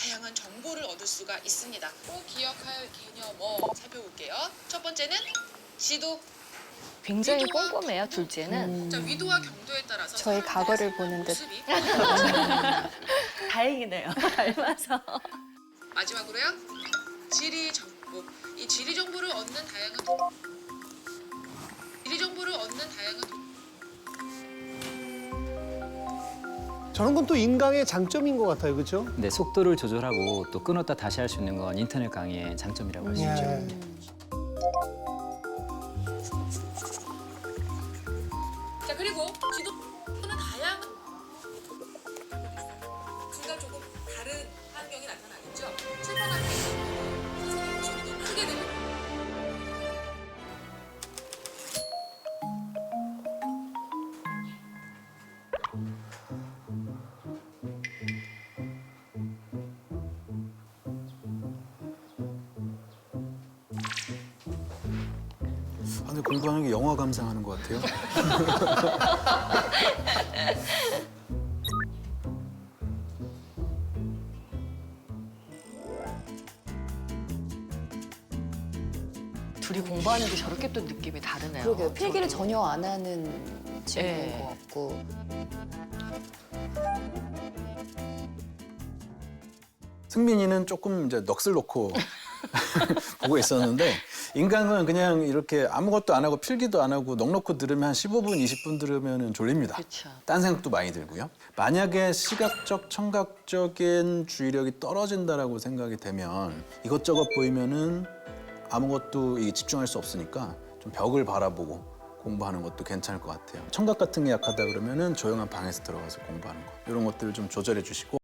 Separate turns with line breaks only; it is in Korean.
다양한 정보를 얻을 수가 있습니다. 꼭 기억할 개념어 살펴볼게요. 첫 번째는 지도.
굉장히
위도와
꼼꼼해요,
경도.
둘째는.
자, 위도와 경도에 따라서
저희
사람들의
과거를
생활
보는 듯.
모습이 달라집니다.
다행이네요, 닮아서.
마지막으로요. 지리 정보. 이 지리 정보를 얻는 다양한
저런 건 또 인강의 장점인 것 같아요, 그렇죠?
네, 속도를 조절하고 또 끊었다 다시 할 수 있는 건 인터넷 강의의 장점이라고 할 수 있죠.
자, 그리고 지도는 다양한 둘다 조금 다른 환경이 나타나겠죠. 출판할 때 선생님 목소리도 크게 들립니다.
아, 근데 공부하는 게 영화 감상하는 것 같아요.
둘이 공부하는 게 저렇게 또 느낌이 다르네요.
그러게요. 필기를
저도.
전혀 안 하는 친구인
네.
것 같고.
승민이는 조금 이제 넋을 놓고 보고 있었는데 인강은 그냥 이렇게 아무것도 안 하고 필기도 안 하고 넋 놓고 들으면 한 15분, 20분 들으면 졸립니다.
그렇죠.
딴 생각도 많이 들고요. 만약에 시각적, 청각적인 주의력이 떨어진다라고 생각이 되면 이것저것 보이면은 아무것도 집중할 수 없으니까 좀 벽을 바라보고 공부하는 것도 괜찮을 것 같아요. 청각 같은 게 약하다 그러면은 조용한 방에서 들어가서 공부하는 거 이런 것들을 좀 조절해 주시고